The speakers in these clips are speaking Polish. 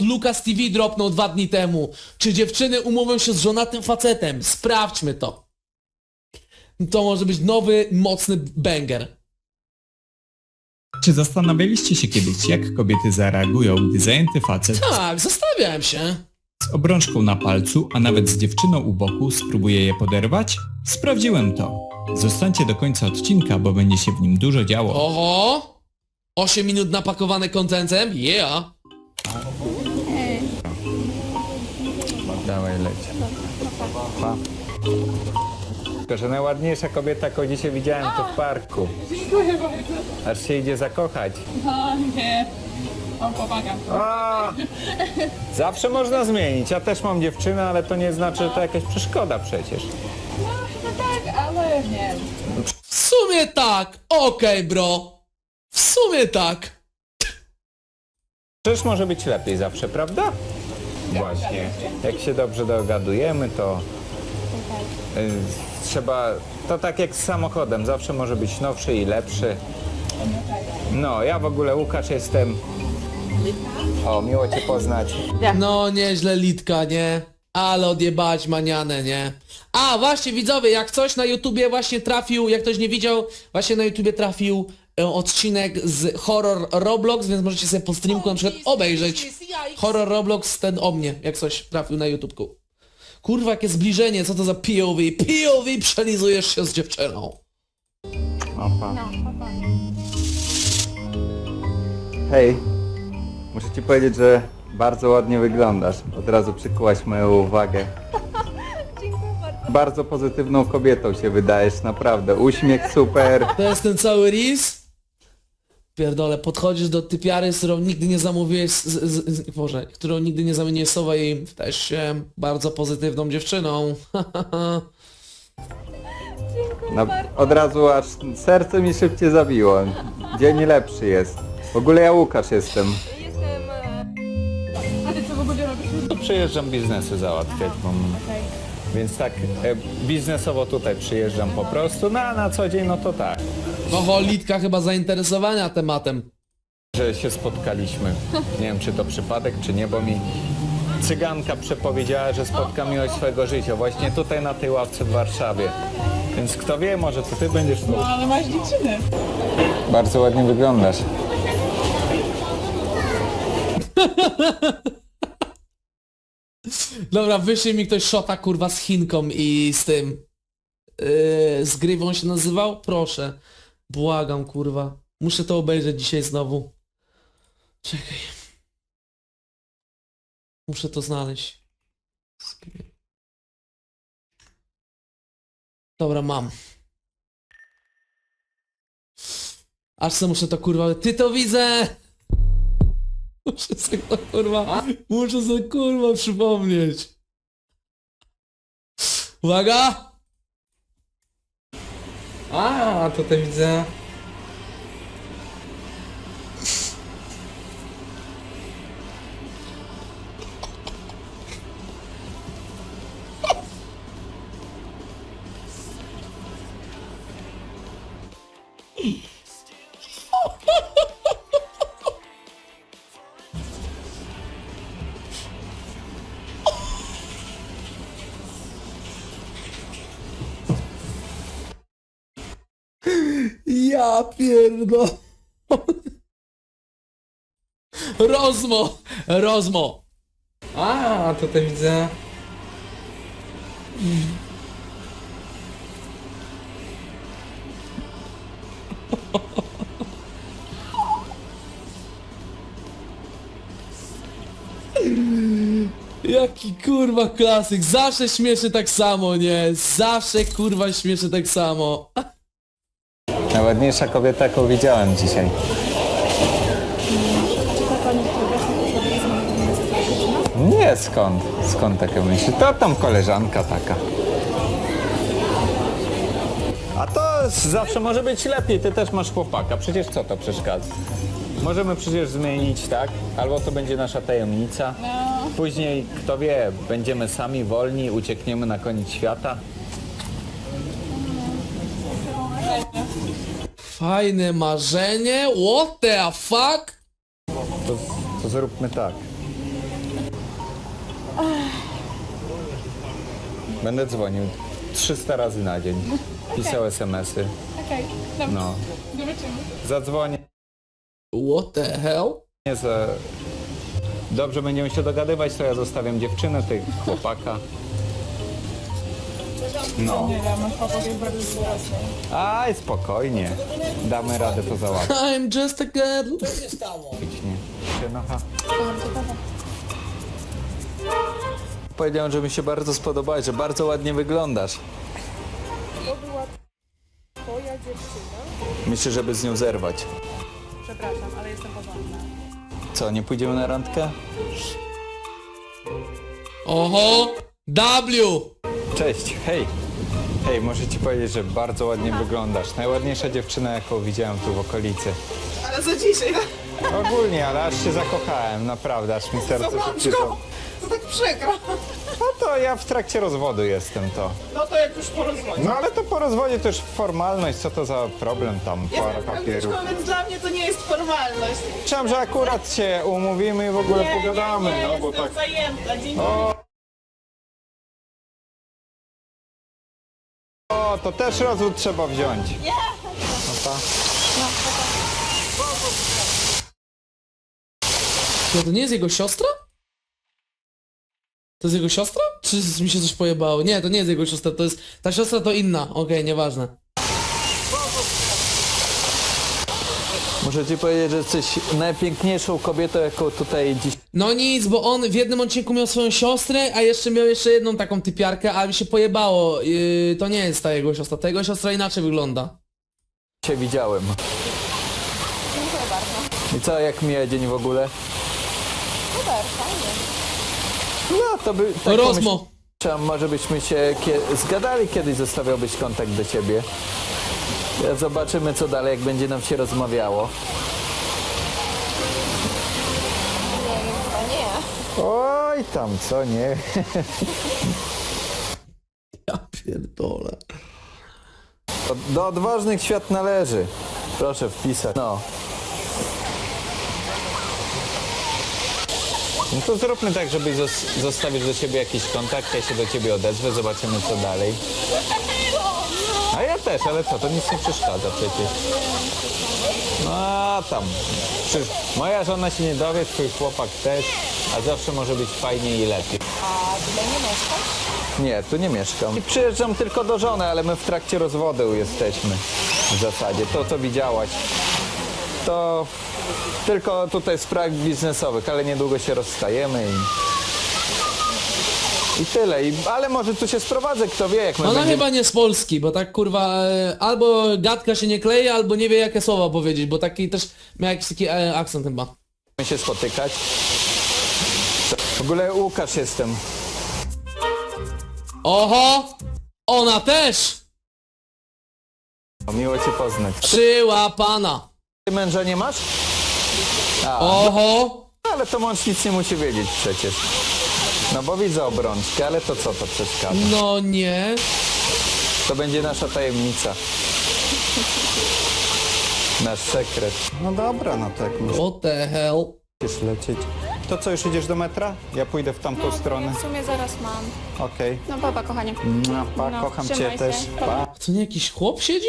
Lucas TV dropnął 2 dni temu. Czy dziewczyny umówią się z żonatym facetem? Sprawdźmy to. To może być nowy, mocny banger. Czy zastanawialiście się kiedyś, jak kobiety zareagują, gdy zajęty facet Tak, zastanawiałem się. z obrączką na palcu, a nawet z dziewczyną u boku spróbuje je poderwać? Sprawdziłem to. Zostańcie do końca odcinka, bo będzie się w nim dużo działo. Oho! 8 minut napakowane kontentem? Yeah! Dawaj, leć. Pa. Tylko, że najładniejsza kobieta, jaką dzisiaj widziałem, to w parku. Dziękuję bardzo. Aż się idzie zakochać. O nie. Mam chłopaka. A! Zawsze można zmienić. Ja też mam dziewczynę, ale to nie znaczy, że to jakaś przeszkoda przecież. No chyba tak, ale nie. W sumie tak! Okej, bro! W sumie tak! Przecież może być lepiej zawsze, prawda? Właśnie. Jak się dobrze dogadujemy, to trzeba... To tak jak z samochodem. Zawsze może być nowszy i lepszy. No, ja w ogóle Łukasz jestem. O, miło Cię poznać. No nieźle Litka, nie? Ale odjebać manianę, nie? A właśnie widzowie, jak coś na YouTubie właśnie trafił, jak ktoś nie widział, właśnie na YouTubie trafił odcinek z Horror Roblox, więc możecie sobie po streamku na przykład obejrzeć Horror Roblox, ten o mnie, jak coś trafił na YouTubku. Kurwa, jakie zbliżenie, co to za POV? POV przelizujesz się z dziewczyną. Opa. Hej, muszę ci powiedzieć, że bardzo ładnie wyglądasz. Od razu przykułaś moją uwagę. Dziękuję bardzo. Bardzo pozytywną kobietą się wydajesz, naprawdę. Uśmiech super. To jest ten cały ris? Pierdolę, podchodzisz do typiary, z którą nigdy nie zamówiłeś, Boże, którą nigdy nie zamieniłeś słowa i wydajesz się bardzo pozytywną dziewczyną. No, od razu aż serce mi szybciej zabiło. Dzień lepszy jest. W ogóle ja Łukasz jestem. Jestem... A ty co w ogóle robisz? To przyjeżdżam biznesy załatwiać, więc tak biznesowo tutaj przyjeżdżam po prostu, no a na co dzień no to tak, Oho, Litka chyba zainteresowania tematem. że się spotkaliśmy. Nie wiem czy to przypadek, czy nie, bo mi cyganka przepowiedziała, że spotka miłość swojego życia właśnie tutaj na tej ławce w Warszawie. Więc kto wie, może to ty będziesz tu. No ale masz dziewczynę. Bardzo ładnie wyglądasz. Dobra, wyszli mi ktoś szota kurwa z Chinką i z tym... z Grywą się nazywał? Proszę. Błagam kurwa. Muszę to obejrzeć dzisiaj znowu. Czekaj. Muszę to znaleźć. Dobra, mam. Aż se muszę to kurwa... Ty to widzę! Muszę sobie to kurwa... Muszę sobie kurwa przypomnieć. Uwaga! A, tutaj widzę. Ja pierdol... Rozmo! Rozmo! A, tutaj widzę. Jaki kurwa klasyk! Zawsze śmieszy tak samo, nie? Zawsze kurwa śmieszy tak samo. Najładniejsza kobieta, jaką widziałem dzisiaj. Nie, skąd? Skąd takie myśli? To tam koleżanka taka. A to zawsze może być lepiej, ty też masz chłopaka, przecież co to przeszkadza? Możemy przecież zmienić, tak? Albo to będzie nasza tajemnica. Później, kto wie, będziemy sami wolni, uciekniemy na koniec świata. Fajne marzenie? What the fuck? To zróbmy tak. Będę dzwonił 300 razy na dzień. Pisał SMS-y. Okej, dobrze. No. Zobaczymy. Zadzwonię. What the hell? Nie za... Dobrze będziemy się dogadywać, to ja zostawiam dziewczynę, ty chłopaka. No. Nie wiem, chłopak jest bardzo dorosły. Aj, spokojnie. Damy radę to załatwić. I'm just a girl. Nie. Sienocha. Powiedziałem, że mi się bardzo spodobałeś, że bardzo ładnie wyglądasz. To była twoja dziewczyna? Myślę, żeby z nią zerwać. Przepraszam, ale jestem porządna. Co, nie pójdziemy na randkę? Oho! W! Cześć, hej. Hej, muszę ci powiedzieć, że bardzo ładnie wyglądasz. Najładniejsza dziewczyna, jaką widziałem tu w okolicy. Ale za dzisiaj, Ogólnie, ale aż się zakochałem, naprawdę, aż mi serce się przyszło. to tak przykro. No to ja w trakcie rozwodu jestem to. No to jak już po rozwodzie. No ale to po rozwodzie to już formalność, co to za problem tam, parę papierów. Więc dla mnie to nie jest formalność. Myślałem, że akurat się umówimy i w ogóle pogadamy, no bo tak... zajęta. Dzień O, to też rozwód trzeba wziąć. No to... To nie jest jego siostra? To jest jego siostra? Czy mi się coś pojebało? Nie, to nie jest jego siostra, to jest... Ta siostra to inna. Okej, nieważne. Muszę ci powiedzieć, że jesteś najpiękniejszą kobietą, jaką tutaj dziś... No nic, bo on w jednym odcinku miał swoją siostrę, a jeszcze miał jeszcze jedną taką typiarkę, ale mi się pojebało. To nie jest ta jego siostra, ta jego siostra inaczej wygląda. Cię widziałem. I co, jak mija dzień w ogóle? Super, fajnie. No, to by... Tak Rozmo. pomyślałem, może byśmy się zgadali kiedyś, zostawiałbyś kontakt do ciebie. Zobaczymy, co dalej, jak będzie nam się rozmawiało. Oj, tam, co nie? Ja pierdolę. Do odważnych świat należy. Proszę wpisać. No. No to zróbmy tak, żebyś zostawić do siebie jakiś kontakt, ja się do ciebie odezwę, zobaczymy co dalej. A ja też, ale co, to nic nie przeszkadza przecież. No a tam. Przecież moja żona się nie dowie, twój chłopak też, a zawsze może być fajniej i lepiej. A tutaj nie mieszkasz? Nie, tu nie mieszkam. I przyjeżdżam tylko do żony, ale my w trakcie rozwodu jesteśmy. W zasadzie. To, co widziałaś, to tylko tutaj spraw biznesowych, ale niedługo się rozstajemy i tyle. Ale może tu się sprowadzę, kto wie, jak my Ona będziemy... chyba nie z Polski, bo tak kurwa albo gadka się nie kleje, albo nie wie jakie słowa powiedzieć, bo taki też miał jakiś taki akcent chyba. się spotykać. W ogóle Łukasz jestem. Oho! Ona też! Miło cię poznać. Przyłapana! Ty męża nie masz? A, Oho! ale to mąż nic nie musi wiedzieć przecież. No bo widzę obrączkę, ale to co to przeszkadza? No nie. To będzie nasza tajemnica. Nasz sekret. No dobra, no tak What the hell? musisz lecieć. To co, już idziesz do metra? Ja pójdę w tamtą stronę. W sumie zaraz mam. Okej. No papa, kochanie. Pa, No, kocham cię trzymaj się. też. Pa. To nie jakiś chłop siedzi?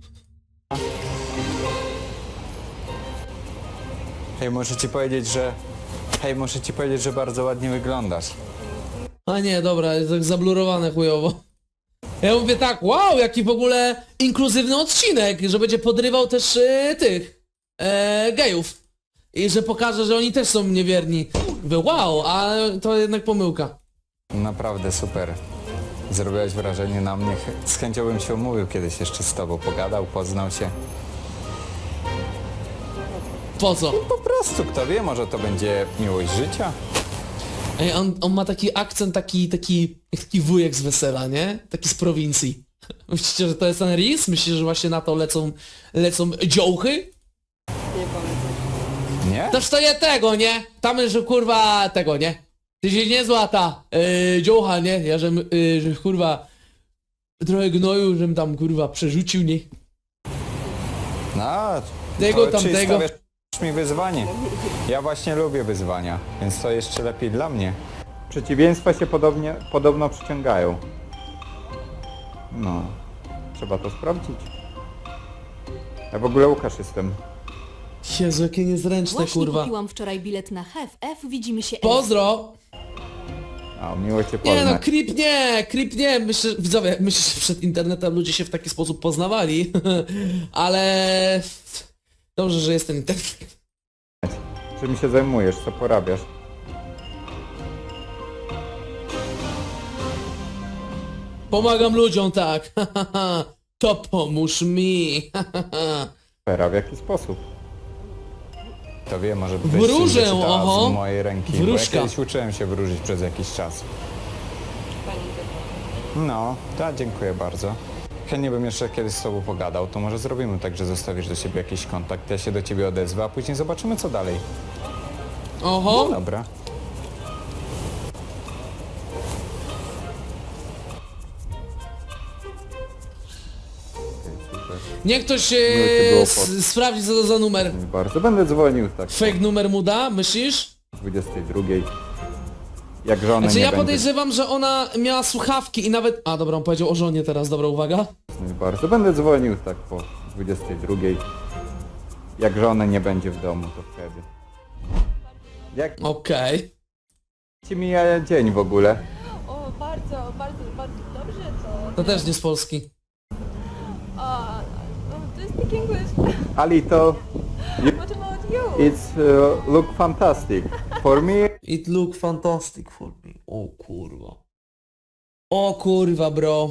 Hej, muszę ci powiedzieć, że... Hej, muszę ci powiedzieć, że bardzo ładnie wyglądasz. A nie, dobra, jest tak zablurowane chujowo. Ja mówię tak, wow, jaki w ogóle inkluzywny odcinek, że będzie podrywał też tych gejów. I że pokaże, że oni też są niewierni. Mówię, wow, a to jednak pomyłka. Naprawdę super. Zrobiłeś wrażenie na mnie. Z chęcią bym się umówił kiedyś jeszcze z tobą. Pogadał, poznał się. Po co? Po prostu, kto wie, może to będzie miłość życia. Ej, on ma taki akcent, taki wujek z wesela, nie? Taki z prowincji. Myślicie, że to jest ten Riz? Myślicie, że właśnie na to lecą dziołchy? Nie? Toż to je tego, nie? Tam, że kurwa tego, nie? Ty się nie zła ta dziołcha, nie? Ja że kurwa trochę gnoju, żem tam kurwa przerzucił, nie? No, Tego, to tamtego. Czy stawiasz mi wyzwanie? Ja właśnie lubię wyzwania, więc to jeszcze lepiej dla mnie. Przeciwieństwa się podobno przyciągają. No, trzeba to sprawdzić. Ja w ogóle Łukasz jestem. Jezu, jakie niezręczne, Właśnie kurwa. kupiłam wczoraj bilet na HFF, widzimy się. Pozdro! A, miło cię Nie no, poznać. creep nie, myślę, widzowie, myślę, że przed internetem ludzie się w taki sposób poznawali, ale dobrze, że jest ten internet. Czym się zajmujesz? Co porabiasz? Pomagam ludziom, tak, to pomóż mi. Pera, w jaki sposób? To wie, może Wróżę, oho. z mojej ręki. Bo Wróżka. ja kiedyś uczyłem się wróżyć przez jakiś czas. No, tak, dziękuję bardzo. Chętnie bym jeszcze kiedyś z tobą pogadał, to może zrobimy tak, że zostawisz do siebie jakiś kontakt, ja się do ciebie odezwę, a później zobaczymy co dalej. Oho, Dobra. niech ktoś Miło cię było sprawdzi co to za numer. Bardzo. Będę dzwonił tak Fake numer mu da, myślisz? o 22. Jak żony Znaczy nie ja będzie. podejrzewam, że ona miała słuchawki i nawet... A dobra, on powiedział o żonie teraz, dobra, uwaga. Bardzo. Będę dzwonił tak po 22. Jak żony nie będzie w domu, to wtedy. Jak Okej. ci mija dzień w ogóle? O, bardzo, bardzo, bardzo dobrze to. To też nie z Polski. Do you speak English? Alito, What about you? it's look fantastic. For me, It look fantastic for me. O kurwa. O kurwa, bro.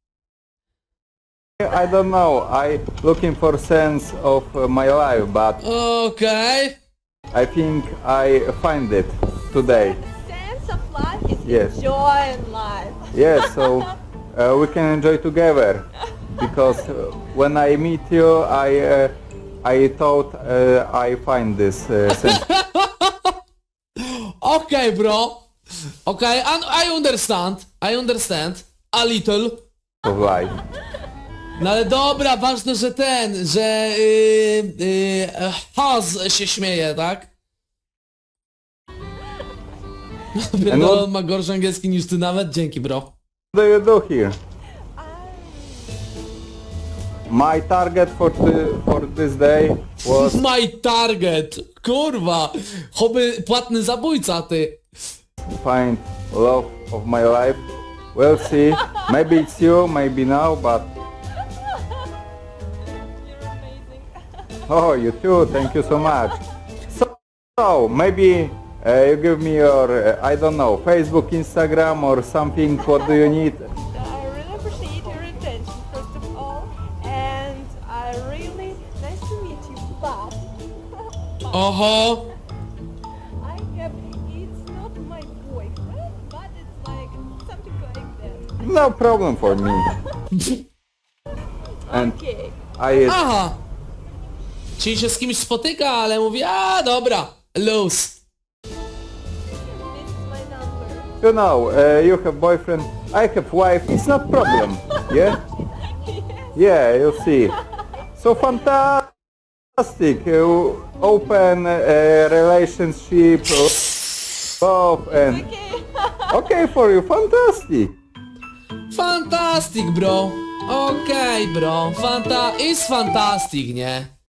I don't know. I looking for sense of my life, but Okej. I think I find it today. Sense of life is Yes. joy in life. Yes, so we can enjoy together. Because when I meet you, I thought I find this sense Okej, bro. Okej, I understand. I understand. A little. of life. No ale dobra, ważne, że Haz się śmieje, tak? No, on ma gorszy angielski niż ty nawet, dzięki, bro. What do you do here? My target for this day was My target! Kurwa! Choby płatny zabójca, ty! find love of my life. We'll see. Maybe it's you, maybe no, but You're amazing. oh, you too. Thank you so much. So maybe you give me your I don't know, Facebook, Instagram, or something. What do you need? I really appreciate your attention, first of all, and I really nice to meet you. But Oho! I have it's not my boyfriend, but it's like something like that. No problem for me. And Okay. Aha! Czyli się z kimś spotyka, ale mówi, a dobra, lose. This is my number. you know, you have boyfriend, I have wife. It's not problem. Yeah. Yeah, you see. So fantastic. Open relationship, love, and okay for you. Fantastic. Fantastic, bro. Okej, bro. Is fantastic, nie?